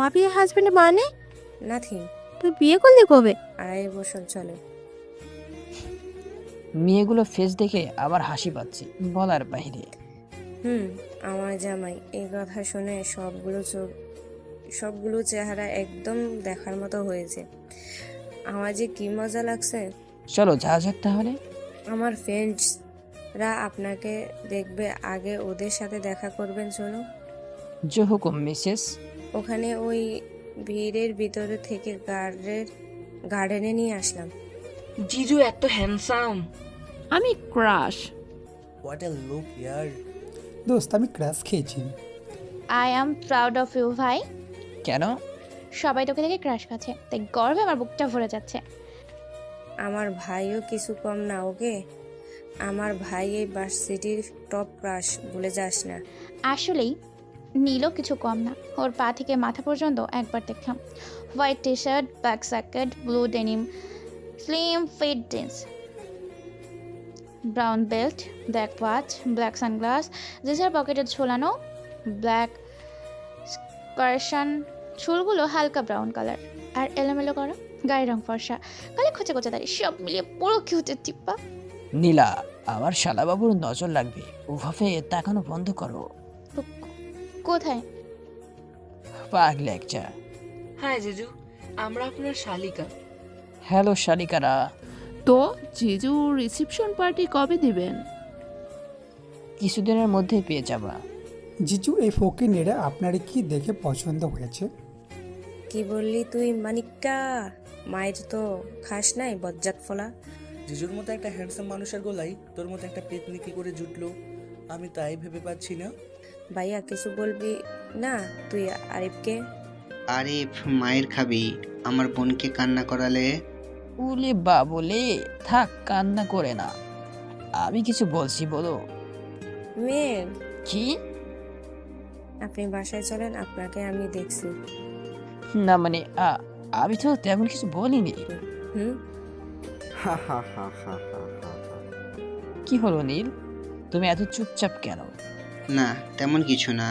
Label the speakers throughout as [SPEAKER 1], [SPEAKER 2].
[SPEAKER 1] ওয়াবি husband মানে?
[SPEAKER 2] Nothing.
[SPEAKER 1] তুই বিয়ে করলি কবে?
[SPEAKER 2] 2.5 বছর চলে।
[SPEAKER 3] মেয়েগুলো ফেস দেখে আবার হাসি পাচ্ছে বলার বাইরে।
[SPEAKER 2] আমার জামাই। এই কথা শুনে সবগুলো চেহারা একদম দেখার মতো হয়েছে। আমার যে কি মজা লাগছে।
[SPEAKER 3] চলো যাওয়া যাক তাহলে।
[SPEAKER 2] আমার ফ্রেন্ডসরা আপনাকে দেখবে, আগে ওদের সাথে দেখা করবেন। চলো।
[SPEAKER 3] যে হুকুম মিসেস।
[SPEAKER 2] ওখানে ওই ভিড়ের ভিতরে থেকে গার্ডেনে নিয়ে আসলাম।
[SPEAKER 4] জিজু এত হ্যান্ডসাম।
[SPEAKER 1] আমি ক্রাশ।
[SPEAKER 5] হোয়াট এ লুক ইয়ার।
[SPEAKER 6] দোস্ত আমি ক্র্যাশ খেয়েছি।
[SPEAKER 7] I am proud of you ভাই।
[SPEAKER 3] কেন?
[SPEAKER 7] সবাই তোকে দেখে ক্রাশ খাচ্ছে, তাই গর্বে আমার বুকটা ভরে যাচ্ছে।
[SPEAKER 2] আমার ভাইও কিছু কম না। ওকে, আমার ভাই এই ভার্সিটির টপ ক্রাশ, ভুলে যাস না।
[SPEAKER 7] আসলেই নীলও কিছু কম না। ওর পা থেকে মাথা পর্যন্ত একবার দেখলাম। White T shirt, black jacket, blue denim, slim fit jeans, brown belt, black watch, black sunglass, জিন্সের পকেটে ঝোলানো ব্ল্যাক স্কার্শন, চুলগুলো হালকা ব্রাউন কালার আর এলোমেলো করা, গায়ের রং ফর্সা, কালে খোঁচা খোঁচা দাঁড়িয়ে, সব মিলিয়ে পুরো কিউটের টিপ্পা।
[SPEAKER 3] নীলা, আমার শালাবাবুর নজর লাগবে, ওভাবে তাকানো বন্ধ করো।
[SPEAKER 7] কোথায়?
[SPEAKER 3] পাগলে একটা।
[SPEAKER 4] হ্যাঁ জিজু, আমরা আপনার শালিকা।
[SPEAKER 3] হ্যালো শালিকারা।
[SPEAKER 1] তো জিজু রিসেপশন পার্টি কবে দিবেন?
[SPEAKER 3] কিছুদিনের মধ্যে পেয়ে যাবা।
[SPEAKER 6] জিজু এই ফকিনেরা আপনার কি দেখে পছন্দ হয়েছে?
[SPEAKER 2] কি বললি তুই মানিক্কা? মায়ের তো খাস নাই বজ্জাত ফলা।
[SPEAKER 5] জিজুর মতো একটা হ্যান্ডসাম মানুষের গলায় তোর মতো একটা পেতনি কি করে জুটলো, আমি তাই ভেবে পাচ্ছি না।
[SPEAKER 2] ভাইয়া কিছু বলবি না তুই আরিফকে?
[SPEAKER 8] আরিফ মায়ের খাবি, আমার বোনকে কান্না করালে।
[SPEAKER 3] উলে বা বলে থাক, কান্না করে না। আমি কিছু বলছি বলো।
[SPEAKER 2] মেঘ,
[SPEAKER 3] কি?
[SPEAKER 2] আপনি বাসায় চলেন, আপনাকে আমি দেখছি।
[SPEAKER 3] না মানে আমি তো তেমন কিছু বলিনি।
[SPEAKER 2] হুম
[SPEAKER 3] কি হলো নীল, তুমি এত চুপচাপ কেন?
[SPEAKER 8] না তেমন কিছু না।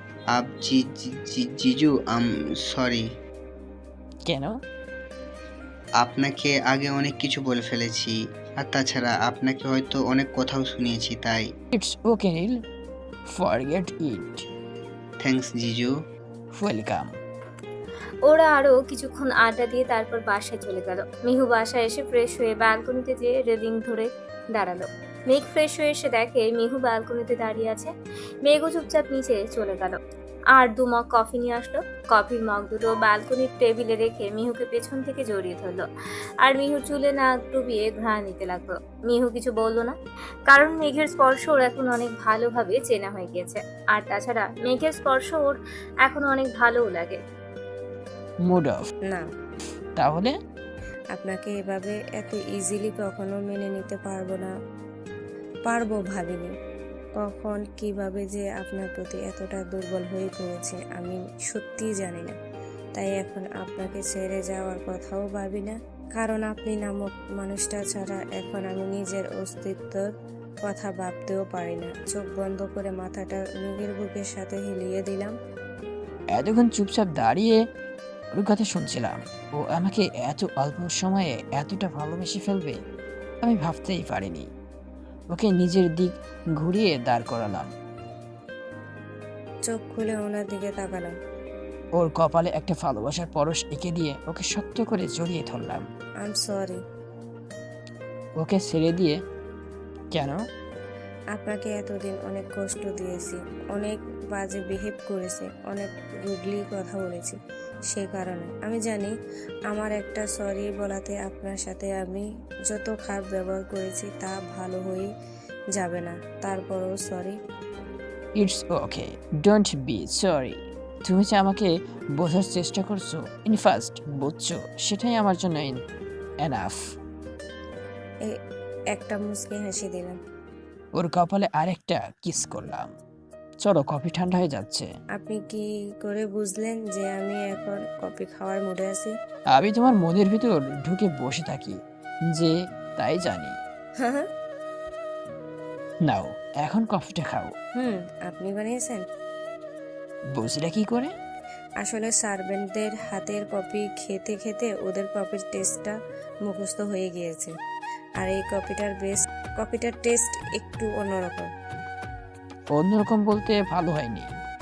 [SPEAKER 8] জিজু সরি।
[SPEAKER 3] কেন?
[SPEAKER 8] আপনাকে আগে অনেক কিছু বলে ফেলেছি, আর তাছাড়া আপনাকে হয়তো অনেক কথাও শুনিয়েছি, তাই।
[SPEAKER 3] It's okay Neel, forget it.
[SPEAKER 8] Thanks জিজু।
[SPEAKER 3] ওয়েলকাম।
[SPEAKER 9] ওরা আরও কিছুক্ষণ আড্ডা দিয়ে তারপর বাসায় চলে গেল। মিহু বাসায় এসে ফ্রেশ হয়ে ব্যালকনিতে যেয়ে রেলিং ধরে দাঁড়ালো। মেঘ ফ্রেশ হয়ে এসে দেখে মিহু ব্যালকনিতে দাঁড়িয়ে আছে। মেঘও চুপচাপ নিচে চলে গেল আর 2 মগ কফি নিয়ে আসলো। কফির মগ দুটো ব্যালকনির টেবিলে রেখে মিহুকে পেছন থেকে জড়িয়ে ধরলো আর মিহুর চুলে নাক ডুবিয়ে ঘ্রাণ নিতে লাগলো। মিহু কিছু বলল না, কারণ মেঘের স্পর্শ ওর এখন অনেক ভালোভাবে চেনা হয়ে গিয়েছে। আর তাছাড়া মেঘের স্পর্শ ওর এখন অনেক ভালোও লাগে।
[SPEAKER 3] Mood off.
[SPEAKER 2] না,
[SPEAKER 3] তাহলে
[SPEAKER 2] আপনাকে এভাবে এত ইজিলি কখনো মেনে নিতে পারবো ভাবিনি। কখন কিভাবে যে আপনার প্রতি এতটা দুর্বল হয়ে পড়েছে আমি সত্যিই জানি না। তাই এখন আপনাকে ছেড়ে যাওয়ার কথাও ভাবি না, কারণ আপনি নামক মানুষটা ছাড়া এখন আমি নিজের অস্তিত্বর কথা ভাবতেও পারি না। চোখ বন্ধ করে মাথাটা মেঘের বুকের সাথে হিলিয়ে দিলাম।
[SPEAKER 3] এতক্ষণ চুপচাপ দাঁড়িয়ে ওর কথা শুনছিলাম। ও আমাকে এত অল্প সময়ে এতটা ভালোবেসে ফেলবে আমি ভাবতেই পারিনি। ওকে নিজের দিক ঘুরিয়ে দাঁড় করালাম।
[SPEAKER 2] চোখ খুলে ওনার দিকে তাকালাম।
[SPEAKER 3] ওর কপালে একটা ভালোবাসার পরশ এঁকে দিয়ে ওকে শক্ত করে জড়িয়ে ধরলাম।
[SPEAKER 2] I am sorry.
[SPEAKER 3] ওকে ছেড়ে দিয়ে কেন?
[SPEAKER 2] আপনাকে এতদিন অনেক কষ্ট দিয়েছি, অনেক বাজে বিহেভ করেছি, অনেক রুডলি কথা বলেছি। সে কারণে আমি জানি আমার একটা সরি বলাতে আপনার সাথে আমি যত খারাপ ব্যবহার করেছি তা ভালো হয়ে যাবে না। তারপরও sorry.
[SPEAKER 3] It's okay, don't be sorry. তুমি যে আমাকে বোঝার চেষ্টা করছো, ইনফাস্ট বুঝছো, সেটাই আমার জন্য এনাফ।
[SPEAKER 2] একটা মুচকি হাসি দিলাম।
[SPEAKER 3] ওর কপালে আরেকটা কিস করলাম। চলো, কফি ঠান্ডা হয়ে যাচ্ছে।
[SPEAKER 2] আপনি কি করে বুঝলেন যে আমি এখন কফি খাওয়ার মুডে আছি?
[SPEAKER 3] আমি তোমার মনের ভিতর ঢুকে বসে থাকি যে, তাই জানি। নাও এখন কফিটা খাও।
[SPEAKER 2] আপনি বানিয়েছেন?
[SPEAKER 3] বুঝলে কি করে?
[SPEAKER 2] আসলে সার্ভেন্টদের হাতের কপি খেতে খেতে ওদের কপির টেস্টটা মুখস্থ হয়ে গিয়েছে, আর এই কপিটার টেস্ট একটু অন্যরকম।
[SPEAKER 3] অন্যরকম বলতে ভালো হয়নি।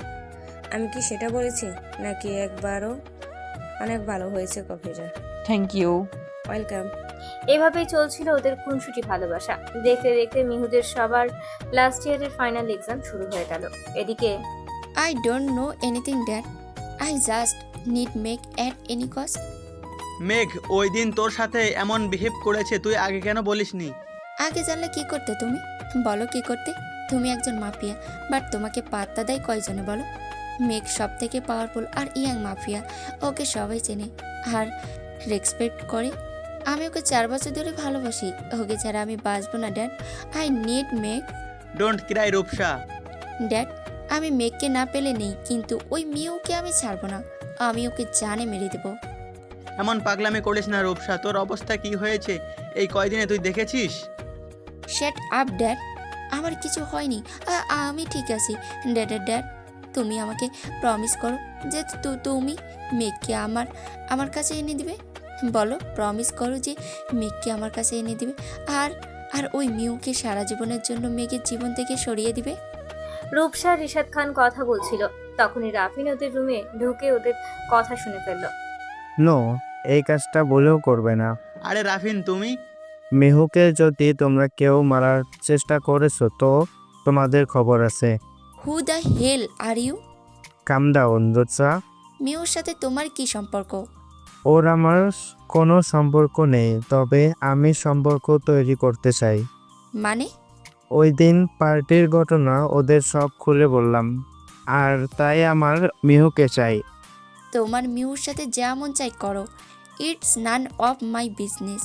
[SPEAKER 2] আমি কি সেটা বলেছি, নাকি একবারও? অনেক ভালো হয়েছে কপিটা।
[SPEAKER 3] Thank you.
[SPEAKER 2] ওয়েলকাম।
[SPEAKER 9] এভাবেই চলছিল ওদের খুনসুটি ভালোবাসা। দেখতে দেখতে মিহুদের সবার লাস্ট ইয়ারের ফাইনাল এক্সাম শুরু হয়ে গেল। এদিকে
[SPEAKER 10] I don't know anything, Dad. I just need make at any cost.
[SPEAKER 11] মেঘ ওই দিন তোর সাথে এমন বিহেভ করেছে, তুই আগে কেন বলিসনি?
[SPEAKER 10] আগে জানলে কি করতে তুমি? বলো কি করতে? তুমি একজন মাফিয়া, বাট তোমাকে পাত্তা দেয় কয়জনে বলো? মেঘ সব থেকে পাওয়ারফুল আর ইয়াং মাফিয়া, ওকে সবাই চেনে আর রেসপেক্ট করে। আমি ওকে 4 বছর ধরে ভালোবাসি, ওকে ছাড়া আমি বাঁচবো না dad. I need Megh.
[SPEAKER 11] Don't cry Rupsa.
[SPEAKER 10] Dad, আমি মেঘকে না পেলে নেই, কিন্তু ওই মিউকে আমি ছাড়বো না। আমি ওকে জানে মেরে দেবো।
[SPEAKER 11] এমন পাগলামি করিস না রূপসা, তোর অবস্থা কি হয়েছে এই কয়দিনে তুই দেখেছিস?
[SPEAKER 10] শ্যাট আপ ড্যাড, আমার কিছু হয়নি, আমি ঠিক আছি। ড্যাড, তুমি আমাকে প্রমিস করো যে তুমি মেঘকে আমার কাছে এনে দিবে। বলো, প্রমিস করো যে মেঘকে আমার কাছে এনে দিবে, আর ওই মিউকে সারা জীবনের জন্য মেঘের জীবন থেকে সরিয়ে দিবে।
[SPEAKER 9] রূপসা রিশাদ খান কথা বলছিল, তখনই রাফিন ওদের রুমে ঢুকে ওদের কথা শুনে ফেলল।
[SPEAKER 12] নো, এই কাজটা বলেও করবে না।
[SPEAKER 11] আরে রাফিন তুমি?
[SPEAKER 12] মেহুকে যদি তোমরা কেউ মারার চেষ্টা করেছো তো তোমাদের খবর আছে।
[SPEAKER 10] Who the hell are you?
[SPEAKER 12] Come down Rutsa.
[SPEAKER 10] মিউর সাথে তোমার কি সম্পর্ক?
[SPEAKER 12] ওর আমার কোনো সম্পর্ক নেই, তবে আমি সম্পর্ক তৈরি করতে চাই।
[SPEAKER 10] মানে?
[SPEAKER 12] ওই দিন পার্টির ঘটনা ওদের সব খুলে বললাম, আর তাই আমার মিহুকে চাই।
[SPEAKER 10] তোমার মিউর সাথে যেমন চাই করো, it's none of my business,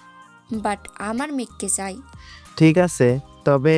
[SPEAKER 10] but আমার মেঘকে চাই।
[SPEAKER 12] ঠিক আছে, তবে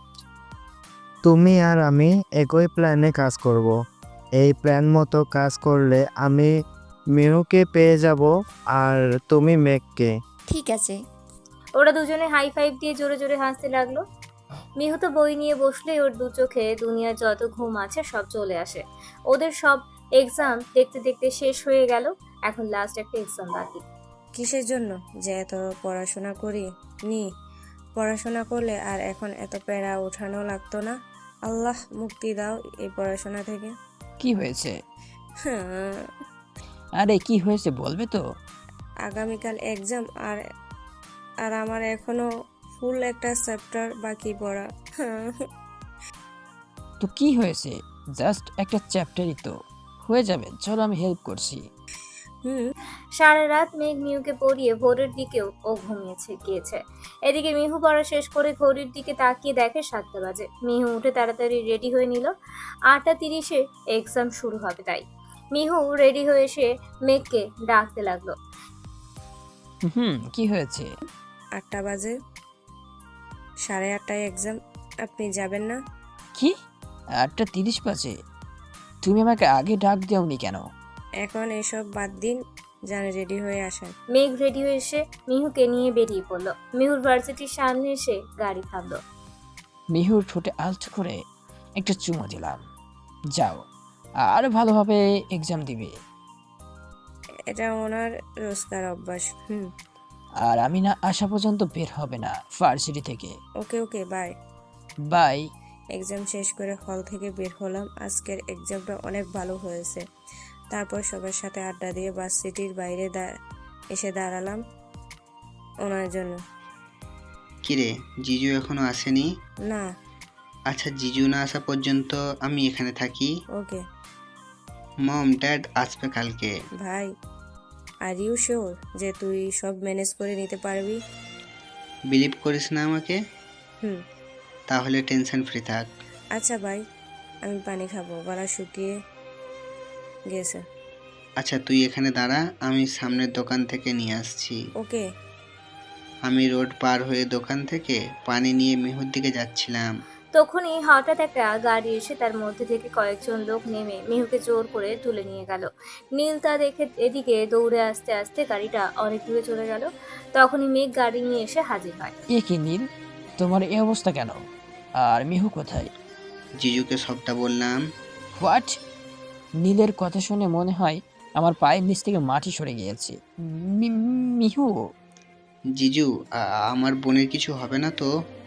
[SPEAKER 12] তুমি আর আমি একই প্ল্যানে কাজ করব। এই প্ল্যান মতো কাজ করলে আমি মিহুকে পেয়ে যাব আর তুমি মেঘকে।
[SPEAKER 10] ঠিক আছে।
[SPEAKER 9] ওরা দুজনে হাই ফাইভ দিয়ে জোরে জোরে হাসতে লাগলো। মিহু তো বই নিয়ে বসলেই ওর দু চোখে দুনিয়ার যত ঘুম আছে সব চলে আসে। ওদের সব এক্সাম দেখতে দেখতে শেষ হয়ে গেল, এখন লাস্ট একটা এক্সাম বাকি।
[SPEAKER 2] কিসের জন্য যে এত পড়াশোনা করি পড়াশোনা করলে আর এখন এত প্যারা ওঠানো লাগতো না। আল্লাহ মুক্তি দাও এই পড়াশোনা থেকে।
[SPEAKER 3] কি হয়েছে?
[SPEAKER 2] হ্যাঁ,
[SPEAKER 3] আরে কি হয়েছে বলবে তো?
[SPEAKER 2] আগামীকাল এক্সাম, আর আমার এখনো ফুল একটা চ্যাপ্টার বাকি পড়া।
[SPEAKER 3] তো কি হয়েছে? জাস্ট একটা চ্যাপ্টারই তো, হয়ে যাবে। চলো আমি হেল্প করছি।
[SPEAKER 9] সারা রাত মেঘ মিহুকে পড়িয়ে ভোরের দিকেও ও গিয়েছে। এদিকে মিহু পড়া শেষ করে ঘড়ির দিকে তাকিয়ে দেখে 7টা বাজে। মিহু উঠে তাড়াতাড়ি রেডি হয়ে নিল, 8:30-এ এক্সাম শুরু হবে। তাই মিহু রেডি হয়ে এসে মেঘকে ডাকতে লাগলো।
[SPEAKER 3] কি হয়েছে?
[SPEAKER 2] 8টা বাজে, 8:30টায় এক্সাম, আপনি যাবেন না?
[SPEAKER 3] কি 8:30 বাজে? তুমি আমাকে আগে ডাক দাওনি কেন?
[SPEAKER 2] এখন এসব বাদ দিন, জানে রেডি হয়ে আসেন।
[SPEAKER 9] মেঘ রেডি হয়ে এসে মিহুকে নিয়ে বেরিয়ে পড়লো। মিহুর ভার্সিটির সামনে এসে গাড়ি থামলো।
[SPEAKER 3] মিহুর ঠোঁটে আলতো করে একটা চুমো দিলাম। যাও, আর ভালোভাবে এক্সাম দিবে।
[SPEAKER 2] এটা ওনার রোজকার অভ্যাস।
[SPEAKER 3] আর আমি না আসা পর্যন্ত বের হবে না ভার্সিটি থেকে।
[SPEAKER 2] Okay bye.
[SPEAKER 3] বাই।
[SPEAKER 2] এক্সাম শেষ করে হল থেকে বের হলাম। আজকের এক্সামটা অনেক ভালো হয়েছে। তারপর সবার সাথে আড্ডা দিয়ে ভার্সিটির বাইরে এসে দাঁড়ালাম ওনার জন্য।
[SPEAKER 8] কিরে, জিজু এখনো আসেনি?
[SPEAKER 2] না।
[SPEAKER 8] আচ্ছা, জিজু না আসা পর্যন্ত আমি এখানে থাকি।
[SPEAKER 2] ওকে।
[SPEAKER 8] মম ড্যাড আসবে কালকে।
[SPEAKER 2] ভাই, আর ইউ শিওর যে তুই সব ম্যানেজ করে নিতে পারবি?
[SPEAKER 8] বিলিভ করিস না আমাকে?
[SPEAKER 2] তাহলে
[SPEAKER 8] টেনশন ফ্রি থাক।
[SPEAKER 2] আচ্ছা ভাই, আমি পানি খাবো, গলা শুকিয়ে গেছে।
[SPEAKER 8] আচ্ছা, তুই এখানে দাঁড়া, আমি সামনের দোকান থেকে নিয়ে আসছি।
[SPEAKER 2] ওকে।
[SPEAKER 8] আমি রোড পার হয়ে দোকান থেকে পানি নিয়ে মিহুর দিকে যাচ্ছিলাম।
[SPEAKER 9] তখনই হঠাৎ একটা গাড়ি এসে তার মধ্যে থেকে কয়েকজন লোক নেমে মিহুকে জোর করে তুলে নিয়ে গেল। নীল তা দেখে এদিকে দৌড়ে আস্তে আস্তে গাড়িটা অনেক দূরে চলে গেল। তখনই মেঘ গাড়ি নিয়ে এসে হাজির হয়।
[SPEAKER 3] এ কি নীল, তোমার এই অবস্থা কেন? আর মিহু কোথায়?
[SPEAKER 8] জিজুকে সবটা বললাম।
[SPEAKER 3] হোয়াট? নীলের কথা শুনে মনে হয় আমার পায়ের নিচ থেকে মাটি সরে গিয়েছে। মিহু,
[SPEAKER 8] জিজু আমার বোনের কিছু হবে না তো?